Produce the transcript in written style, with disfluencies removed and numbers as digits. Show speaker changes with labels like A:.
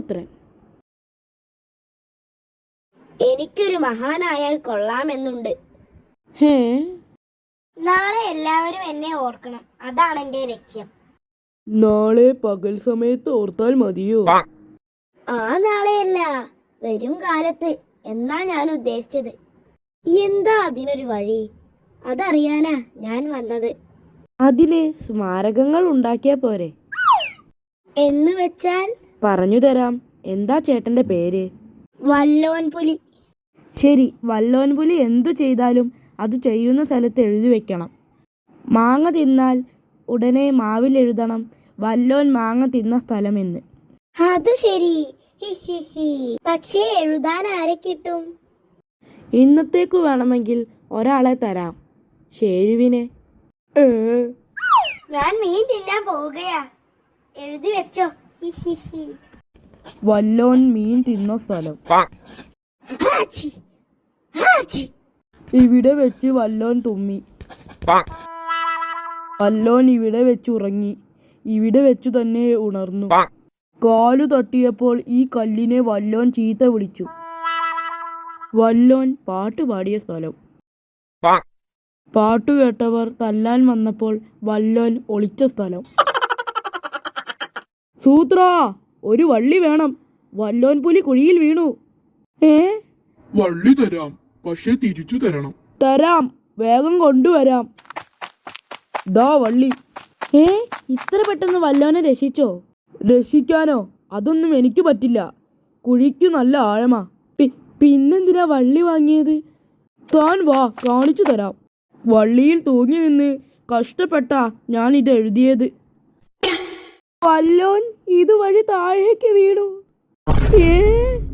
A: പുത്രൻ.
B: എനിക്കൊരു മഹാനായാൽ കൊള്ളാമെന്നുണ്ട്.
A: ഹേ,
B: നാളെ എല്ലാവരും എന്നെ ഓർക്കണം. അതാണ് എന്റെ ലക്ഷ്യം.
A: നാളെ പകൽ സമയത്ത് ഓർത്താൽ മതിയോ?
B: ആ നാളെയല്ല, വരും കാലത്ത് എന്നാ ഞാൻ ഉദ്ദേശിച്ചത്. എന്താ അതിനൊരു വഴി? അതറിയാനാ ഞാൻ വന്നത്.
A: അതിന് സ്മാരകങ്ങൾ ഉണ്ടാക്കിയാ പോരെ?
B: എന്ന് വെച്ചാൽ?
A: പറഞ്ഞു തരാം. എന്താ ചേട്ടന്റെ പേര്?
B: വല്ലോൻ പുലി.
A: ശരി, വല്ലോൻ പുലി എന്തു ചെയ്താലും അത് ചെയ്യുന്ന സ്ഥലത്ത് എഴുതി വെക്കണം. മാങ്ങ തിന്നാൽ ഉടനെ മാവിൽ എഴുതണം, വല്ലോൻ മാങ്ങ തിന്ന സ്ഥലമെന്ന്.
B: അത് ശരി. പക്ഷേ എഴുതാൻ ആരെ കിട്ടും?
A: ഇന്നത്തേക്ക് വേണമെങ്കിൽ ഒരാളെ തരാം, ഷേരുവിനെ.
B: ഞാൻ മീൻ തിന്നാൻ പോവുകയാ. എഴുതി വെച്ചോ.
A: വല്ലോൻ മീൻ തിന്ന സ്ഥലം. ഇവിടെ വെച്ച് വല്ലോൻ തുമ്മി. വല്ലോൻ ഇവിടെ വെച്ച് ഉറങ്ങി. ഇവിടെ വെച്ചു തന്നെ ഉണർന്നു. കാലു തട്ടിയപ്പോൾ ഈ കല്ലിനെ വല്ലോൻ ചീത്ത വിളിച്ചു. വല്ലോൻ പാട്ട് പാടിയ സ്ഥലം. പാട്ടു കേട്ടവർ തല്ലാൻ വന്നപ്പോൾ വല്ലോൻ ഒളിച്ച സ്ഥലം. സൂത്രാ, ഒരു വള്ളി വേണം. വല്ലോൻ പുലി കുഴിയിൽ വീണു.
C: വള്ളി തരാം, പക്ഷെ തിരിച്ചു തരണം.
A: തരാം, വേഗം കൊണ്ടുവരാം. ദാ വള്ളി. ഇത്ര പെട്ടെന്ന് വല്ലോനെ രക്ഷിച്ചോ? രക്ഷിക്കാനോ? അതൊന്നും എനിക്ക് പറ്റില്ല. കുഴിക്ക് നല്ല ആഴമാ. പിന്നെന്തിനാ വള്ളി വാങ്ങിയത്? താൻ വാ, കാണിച്ചു തരാം. വള്ളിയിൽ തൂങ്ങി നിന്ന് കഷ്ടപ്പെട്ടാ ഞാൻ ഇത് എഴുതിയത്. വല്ലോൻ ഇതുവഴി താഴേക്ക് വീണു.